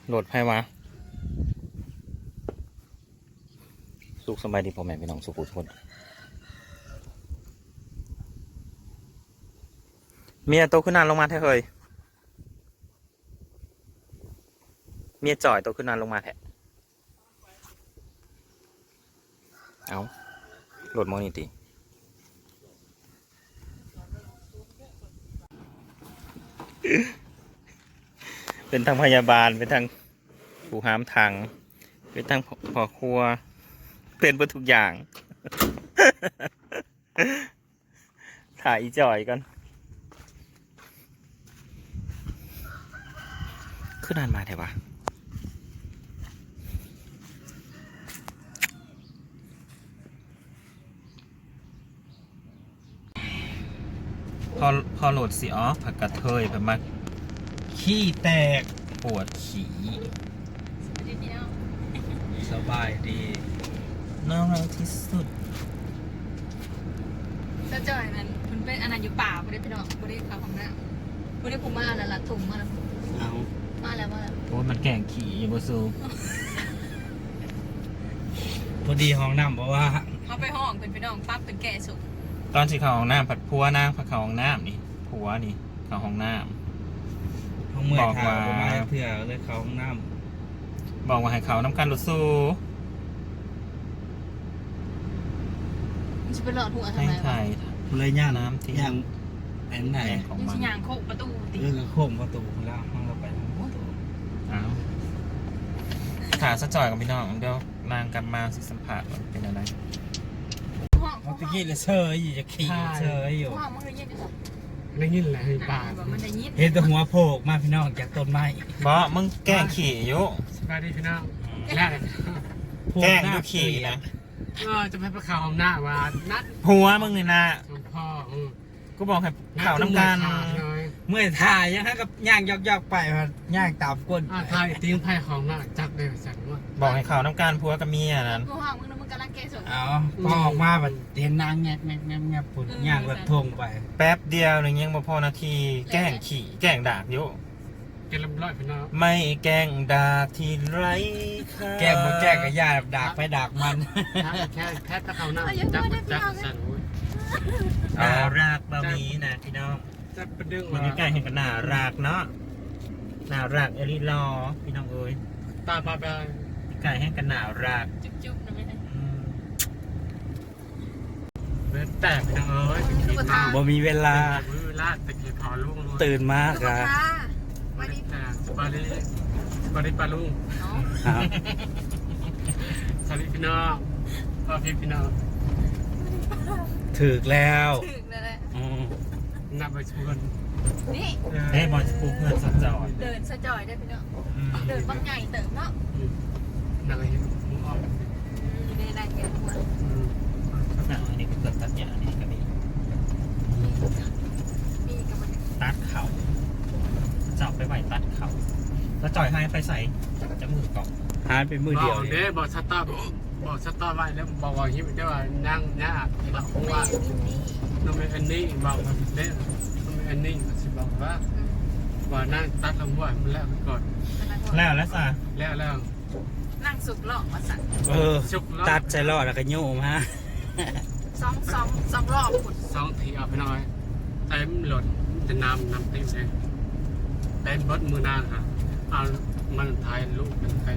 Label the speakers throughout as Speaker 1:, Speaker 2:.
Speaker 1: โหลดไพ่วะสุขสบายดีพ่อแม่พี่น้องสุขทุกคนเมียโตขึ้นนานลงมาแท้เคยเมียจ่อยโตขึ้นนานลงมาแท้เอาโหลดมอนิตีเป็นทางพยาบาลเป็นทางผู้หามทางเป็นทางพ่อครัวเป็นเพื่อทุกอย่าง ถ่ายอีจ่อยกันขึ้นนานมาแถวะพอโหลดสิอ๋อผักกระเทยไปมาขี้แตกปวดขี้สบายดีน่ารักที่สุด
Speaker 2: เจ้าจ่อยนั้นคุณเป็นอันนั้นอยู่ป่าไม่ได้ไปนอนไม่ได้เข้าห้องน้ำไม่ได้ผมมาแล้วล่ะถุงมาแล้ว
Speaker 1: เอา
Speaker 2: มาแล้ว
Speaker 1: โอ้มันแก่งขี่อยู่บนซู
Speaker 3: พอดีห้องน้ำบอกว่า
Speaker 2: เขาไปห้องเป็นไปนอนปั๊บเป็นแก่สุก
Speaker 1: ตอนที่เข้าห้องน้ำผัดพัวนางผัดเข้าห้องน้ำนี่ผัวนี่เข้าห้องน้
Speaker 3: ำห้องเมื่อทางมาเพื่อเลยเข้าห้องน้
Speaker 1: ำบอกว่าให้เขาน้ำกันรถสู้
Speaker 2: จะไปหลอดหัวทำไม
Speaker 1: วะ
Speaker 3: เลยย่างน้ำที่ย่างแอนไหน
Speaker 2: ของมันย่างโคกประตู
Speaker 3: ติโค้งประตูแล้วห้องเราไป
Speaker 1: อ้าวขาสะจ่อยกับพี่น้องเดี๋ยวนางกลับมาสิสัมผัสเป็นอะไร
Speaker 3: เมื่อกี้เลยเชยอยู่จะขี่เชยอยู่
Speaker 2: ได้ยิน
Speaker 3: อะไร
Speaker 2: ป่า
Speaker 3: เห็นแต่หัวโผล่มาพี่น้องจากต้นไม้
Speaker 1: บ่มึงแกล้งขี่อยู่
Speaker 4: สบายดีพี่น้องแล้
Speaker 1: แกล้งดูขี่นะ
Speaker 4: จะไปข่าวของหน้าว่านัด
Speaker 1: หัวมึงนี่นะ
Speaker 4: พ่อ
Speaker 1: กูบอกให้ข่าวน้ำกัน
Speaker 3: เมื่อถ่ายยังให้กับย่างยอกไปย่างตามก้น
Speaker 4: ถ่ายติ้งไพ่ของหน้าจักเลยจักว่า
Speaker 1: บอกให้ข่าวน้ำกันผัวกับเมียนั้น
Speaker 2: กูห่างมึงกำลังเกส
Speaker 3: เอาพอออกมาแบบเห็นนางแงบปุ่นย่างรถทงไป
Speaker 1: แป๊บเดียวหนึ่งยังพอนาทีแกล้งขี่แกล้งดากอยู่
Speaker 4: แกลำร้อยพี่น้อง
Speaker 1: ไม่แกล้งดากที่ไร
Speaker 3: แกล้งมาแกล้งกับย่าดากไปดากมัน
Speaker 4: แค่ตะเขาหน้าจักสั่น
Speaker 1: น่ารักบะหมี่นะพี่น้อง
Speaker 4: จะประดึง
Speaker 1: มันใกล้เห็นกันน่ารักเนาะน่ารักเอริลอพี่น้องเอ้ย
Speaker 4: ตาปลาไป
Speaker 1: ใกล้ให้กันน่ารัก
Speaker 2: จุ๊บๆนะไม่ได้
Speaker 4: แต่พี่น้องเอ้ย
Speaker 3: บ่มีเวลา
Speaker 4: ตะกี้พอลุง
Speaker 3: ตื่นมากอะ
Speaker 4: บาริปลาลุงสวัสดีพี่น้องพี่น้อง
Speaker 3: ถึกแล้ว
Speaker 4: นับไปชวน
Speaker 2: นี่
Speaker 1: เฮ้ยบอลปูเพื่อนสะจอย
Speaker 2: เดินสะจอยได้พี่น้องเดินบางใหญ่เติมเนาะ
Speaker 4: นักเรียนมุ้งออก
Speaker 2: อยู่ในนั้นกันหมด
Speaker 1: อันนี้ก็เกิดตัดหญ้านี่ก็มี
Speaker 2: กับมัน
Speaker 1: ตัดเขาเจาะไปไหวตัดเขาแล้วจ่อยให้ไปใส่จะมือเกาะ
Speaker 3: หายไปมือเดียว
Speaker 4: เนี่ยบอกสตาร์ไว้แล้วบอกว่าฮิปได้ว่านั่งเนี่ยเราคงว่าน้องอันนี้บอกว่าเนี่ยน้องอันนี้สิบอกว่านั่งตัดลำว่ามันแล้วก่อน
Speaker 1: แล้วสะ
Speaker 4: แล้ว
Speaker 2: นั่งสุกหล่อมาสั่ง
Speaker 3: ตัดใจรอดแล้วก็โยมฮะ
Speaker 2: สองรอบขุด
Speaker 4: 2 ทีเอาไปหน่อยเต็มหล่นจะน้ำเต็มเลยเต็มบดมือนางค่ะเอามันทายลูกเป็นใคร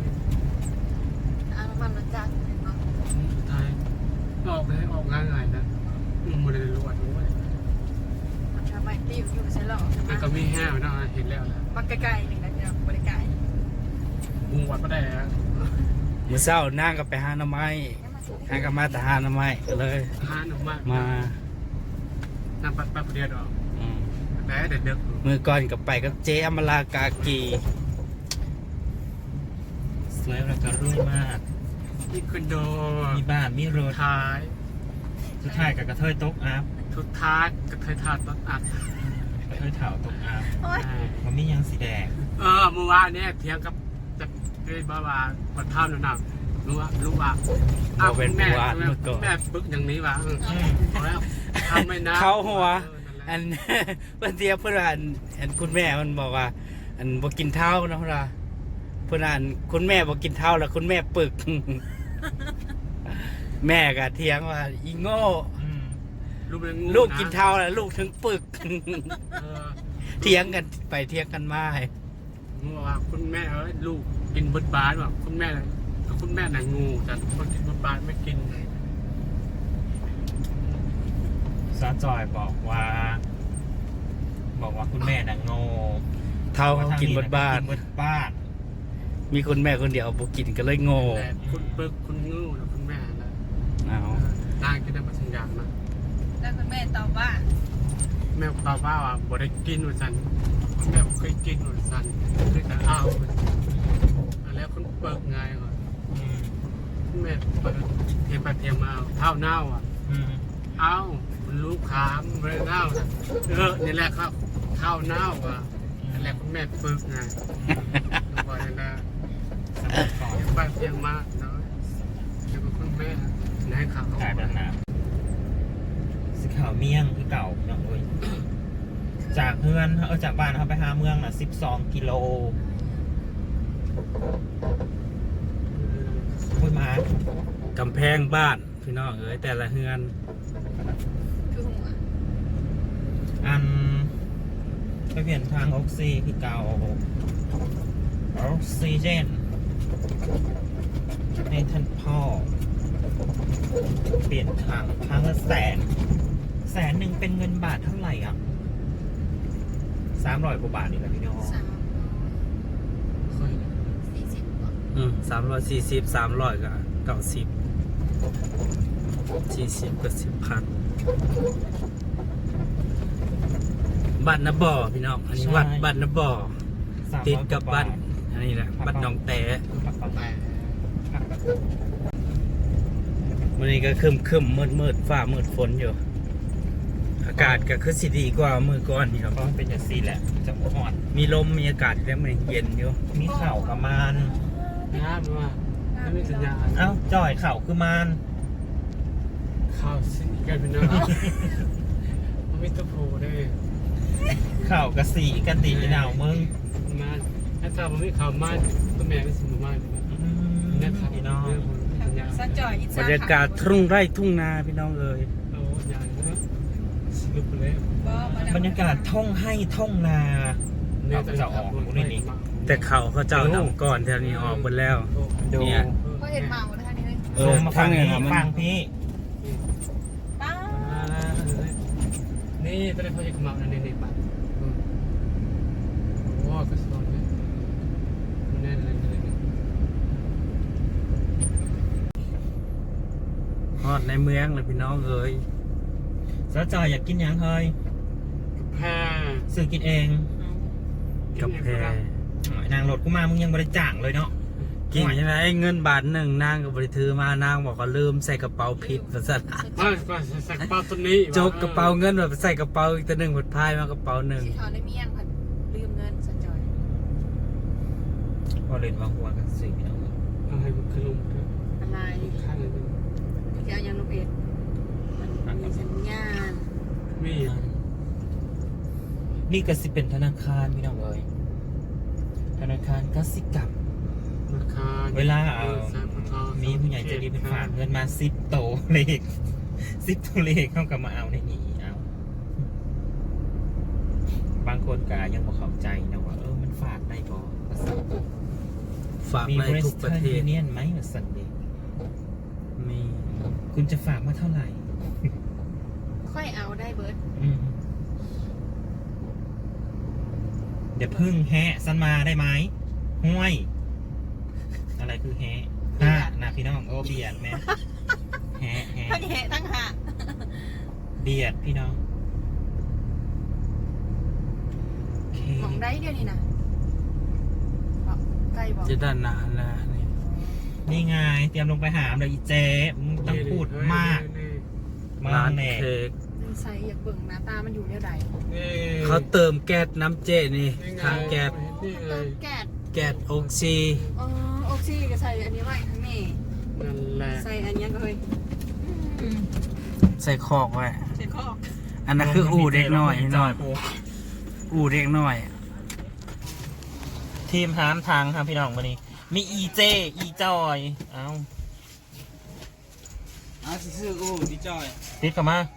Speaker 2: มันจัด
Speaker 4: ทายออกเลยออกง่ายๆนะมันเลยรวดด้วย
Speaker 2: มันทำไมติ้วอยู่ใช่หรอ
Speaker 4: มันก็มีแห้วนะเห็นแล้วนะ
Speaker 2: มันไกลๆหนึ่งนะเนี่ยบริไกล
Speaker 4: มุงวัดก็ได้ฮะ
Speaker 3: มื้อเช้านั่งกับไปหาหน่อไม้หากับมาแต่หาหน่อไม้ก็เลย
Speaker 4: หาหน่อไม้
Speaker 3: มา
Speaker 4: นั่งปัดเดียวแต่เด็ก
Speaker 3: มือก่อนกับไปกับเจ๊อมรากากี
Speaker 1: สวยแล้วก็รุ่ยมาก
Speaker 4: มีคอนโด
Speaker 1: มีบ้านมีรถ
Speaker 4: ท้าย
Speaker 1: สุดท้ายกับกระเทยตกอัพ
Speaker 4: ทุกท้ายกระเทยทาตกอัพ
Speaker 1: กระเทยเถาตกอัพมันมียังสีแดง
Speaker 4: เมื่อวานเนี่ยเถียงกับจะเป็นบ้าบัดท่ามหนักรู้ว่า
Speaker 3: เอาเป็นแม่
Speaker 4: บึกอย่างนี้วะแล้วทำไม่นะ
Speaker 3: เขาหัวอันเพื่อนเทียบเพื่อนอันคุณแม่มันบอกว่าอันบอกกินเท้านะพระเพื่อนอ่านคุณแม่บอกกินเท่าแล้วคุณแม่ปึก แม่ก็เถียงว่าอีโง่
Speaker 4: ลูกเป็นงู
Speaker 3: ลูกกินเท่าแล้วลูกถึงปึก
Speaker 4: เออ
Speaker 3: เถียงกันไปเถียงกันมาให้
Speaker 4: งูว่าคุณแม่ลูกกินบดบาสแบบคุณแม่น่ะงูแต่คนกินบดบาสไม่กิน
Speaker 1: ซาจอยบอกว่าคุณแม่น่ะโง่
Speaker 3: เท่าเขากินบดบ้าน
Speaker 1: กินบดบ้าน
Speaker 3: มีคุณแม่คนเดียวบอกกินก็เลยโง่
Speaker 4: แต่คุณเบิกคุณงูแล้วคุณแม่นะ
Speaker 3: เอา
Speaker 4: นางกินได้มาสัญญาณนะ
Speaker 2: แล้วคุณแม่ตอบว่า
Speaker 4: แม่ตอบว่าบ่ได้กินหนูสันแม่เคยกินหนูสันเคยแต่อ้าวแล้วคุณเบิกไงก่อนแม่เปิดเทียมไปเทียมมาเท่าเน่าเอ้ามันลูกขามเลยเน่านี่แหละครับเท่าเน่านี่แหละคุณแม่เบิกไงบ่อยนะเทียมไปเทียมมาเนาะเดี๋ยวคุณแม่ไหนข่าว
Speaker 1: ขายแบบน้ำสิข่าวเมี่ยงคือเก่าเนาะเว้ยจากเพื่อนจากบ้านเขาไปหาเมืองน่ะ12 กิโลพูดมาก
Speaker 3: ำแพงบ้านพี่น้องเอ้ยแต่ละเฮือน
Speaker 2: คือหัว
Speaker 1: อันไปเปลี่ยนทางออกซิคือเก่าออกซิเจนให้ท่านพ่อเปลี่ยนทางละ100,000เป็นเงินบาทเท่าไหร่อ่ะ300 กว่าบาทนี่แหละพี่น้อง
Speaker 2: 340ก่อน
Speaker 3: 340 300ก็90 40ก็10,000บ้านนาบ่อพี่น้องอันนี้วัดบ้านนาบ่อติดกับบ้านอันนี้แหละบ้านหนองแต่
Speaker 4: แต่
Speaker 3: วันนี้ก็คึมมืดฟ้ามืดฝนอยู่ อากาศก็คือสิดีกว่ามือก่อนนี่ครับ
Speaker 1: เพราะมันเป็นอย่างซีแหละจะอ่อน
Speaker 3: มีลมมีอากาศแล้วมันเย็นอยู่
Speaker 1: มีเข่ากับมาน
Speaker 4: น้ำว่าไม่มีสัญญาณ
Speaker 1: เอ้าจ่อยเข่าคือมาน
Speaker 4: ข่าวสิ่งกันเป็นน้ำมันไม่ต้องโผล่ได้
Speaker 1: เข่ากับสีกันตีดาวมึง
Speaker 4: มาถ้าทำมันไม่ข่าวมากก็แม่ไม่สมมากเลยนะนะครับ
Speaker 1: พี่น้อง
Speaker 4: สัญญาณ
Speaker 2: สักจ่อยอิ
Speaker 3: บรรยากาศทุ่งไร่ทุ่งนาพี่น้องเอ้ย
Speaker 4: โอ้ยายนะสรุปเลย
Speaker 1: บรรยากาศท่องให้ท่องนา
Speaker 3: แต่เขาเจ้านำก่อนแถวนี้ออกหมดแล้ว
Speaker 1: ดู
Speaker 3: เนี่ย
Speaker 2: ก็เห็นเมานะคะนี่เลย
Speaker 3: เออ
Speaker 1: มาฟัง
Speaker 3: ทางนี้
Speaker 1: นี่
Speaker 3: ครับมัน
Speaker 1: ฟังพี่
Speaker 2: ป้า
Speaker 4: นี่ตอนนี้เขาจะมาในในบ้านโอ้ก็สอนเลยมันแน่นเลย
Speaker 3: ฮอดในเมืองเลยพี่น้องเอ้ย
Speaker 1: สะจ่อยอยากกินหยังเฮ้ย
Speaker 4: แพ้
Speaker 1: ซื้อกินเอง
Speaker 3: กับแพร
Speaker 1: นางรถกูมามึงยังบริจาคเลยเนาะ
Speaker 3: กินยังไงเงินบาทหนึ่งนางกับบริถือมานางบอกว่าลืมใส่กระเป๋าผิดภาษา
Speaker 4: ก็ใส่กระเป๋าตัวนี้
Speaker 3: จกกระเป๋าเงินแบบใส่กระเป๋าอีกตัวหนึ่งหมดพายมากระเป๋าหนึ่ง
Speaker 2: สีขาวในเมี่ยงผัดลืมเงินสักจ่อย
Speaker 1: พอเล่นมาหัวกันสิพี่น้อง
Speaker 4: ให้มันขึ้นลง
Speaker 2: อะไร
Speaker 4: ข้างเลย
Speaker 2: จะเอายังลูกเอ็ดมันมีสัญญาณ
Speaker 4: มี
Speaker 1: นี่ก็สิเป็นธนาคารพี่น้องเอ้ยธนาคารกสิกรรม
Speaker 4: ราคา
Speaker 1: เวลามีผู้ใหญ่ใจะดีเป็นฝากเงินมา10 โตเลข10 ตัวเลขเข้ากับมาเอาในนี้เอาบางคนก็ยังบ่เข้าใจนะว่ามันฝากได้บ่ภาษา
Speaker 3: ฝาก
Speaker 1: มี
Speaker 3: ใน
Speaker 1: บริ
Speaker 3: ทุกประ
Speaker 1: ษัท
Speaker 3: เท
Speaker 1: ยู
Speaker 3: ศ
Speaker 1: เนียนไหมว่าสันเดย์
Speaker 3: มี
Speaker 1: คุณจะฝากมาเท่าไหร่
Speaker 2: ค่อยเอาได้เบิร์ด
Speaker 1: เดี๋ยวพึ่งแฮะสันมาได้ไหมห้วย อะไรคือแฮะนะพี่น้องโอ้เบียดแม่แฮะ
Speaker 2: ทั้งแหะทั้งหะ
Speaker 1: เบียดพี่น้องโอเค
Speaker 2: มองได้เดียวนี่นะบอกใกล้บอก
Speaker 3: จะด้านหน้าแล้วนี่
Speaker 1: นี่ไงเตรียมลงไปหามเลยอีเจ๊มึงต้องพูดมากมา
Speaker 3: ร้าน
Speaker 1: แน่
Speaker 3: เค้ก
Speaker 2: ใส่อยากเบิ่งหน้าตามันอยู่แนวใด
Speaker 3: เขาเติมแก๊สน้ำเจนี่ทางแก๊ส
Speaker 2: เติมแก๊ส
Speaker 3: แก๊สออกซิ
Speaker 2: อ๋อออกซิก็ใส่อันนี้ไว้ข้างนี้
Speaker 4: นั่นแหละ
Speaker 2: ใส่อันนี้ก็เฮ้ย
Speaker 3: ใส่คอกไว้
Speaker 2: ใส่ข้อ
Speaker 3: อันนั้นคืออู่เด็กน้อยหน่อยอู่เด็กน้อย
Speaker 1: ทีมหามทางครับพี่น้องวันนี้ มีอีเจอีจอยเอา
Speaker 3: ซื้ออู้ดิจอย
Speaker 1: ติดเข้ามา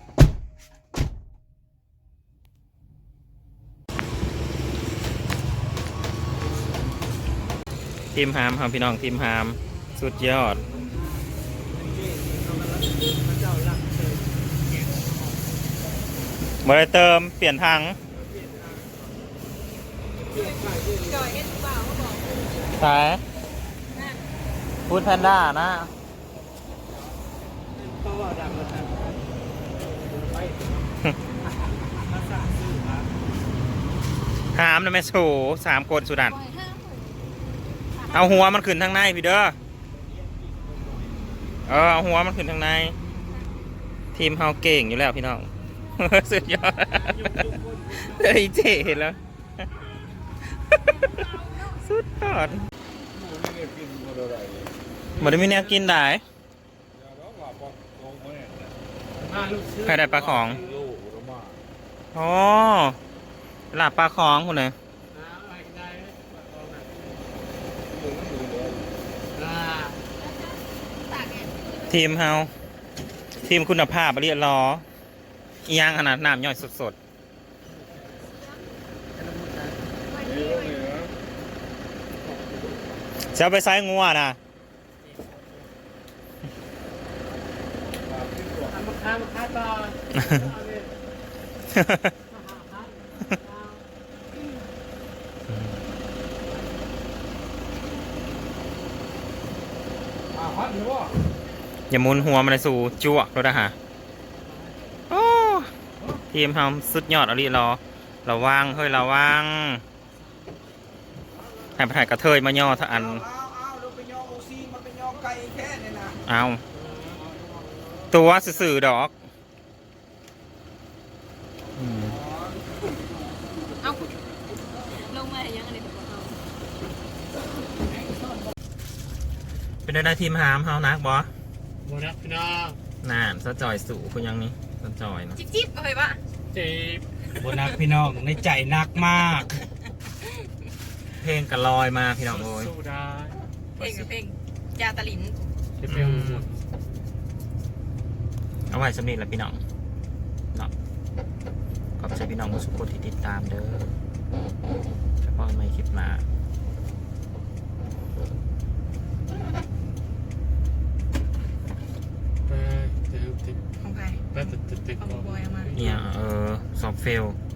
Speaker 1: ทีมหามครับพี่น้องทีมหามสุดยอดบริเติมเปลี่ยนทางสายพูดแพนด้านะ หามนะแม่โฉ3 คนสุดัน เอาหัวมันขึ้นทางในพี่เด้อเอาหัวมันขึ้นทางใน ทีมเฮาเก่งอยู่แล้วพี่น้อง สุดยอดเฮ้ยเจ๋เห็นแล้ว สุดยอดมันไม่เนี่ยกินได้ใครได้ปลาของอ๋อหลับปลาของคุณเลยทีมเฮาทีมคุณภาพเรียบร้อยอีย่างขนาดน้ำย่อยสดๆจะไปไซงัวนะ
Speaker 4: มาต่อ
Speaker 1: อย่าหมุนหัวมันเลยสู่จั่วรถนะฮะโอ้ทีมเฮาสุดยอดอะไรระวังเฮ้ยระวังให้ไปถ่ายกระเทยมาย่อถ้าอันเอาตัวสื่อๆดอก
Speaker 2: เอาลงมายังอะไรแบบเรา
Speaker 1: เป็นได้ทีมหามเฮานักบอ
Speaker 4: หมดแล้วพี่น้อง
Speaker 1: น่านซะจอยสู่คุณยังนี้ซะจอยนะ
Speaker 2: จิ๊บเอาไปปะ
Speaker 4: จีบ
Speaker 3: บนักพี่น้องในใจนักมาก
Speaker 1: เพลงกระลอยมาพี่น้องโอ้ย
Speaker 4: สู้ได้
Speaker 2: เพลงกับเพลงยาตะลิน
Speaker 4: จะเป็นหมด
Speaker 1: เอาไว้สำนีแหละพี่น้องเนาะขอบใจพี่น้องทุกคนที่ติดตามเด้อเฉพาะไม่คลิปหน้า
Speaker 4: ไปเติมติด
Speaker 2: ของใคร
Speaker 4: ไปติด
Speaker 2: ของบอยเอามา
Speaker 1: เนี่ยซอฟเฟล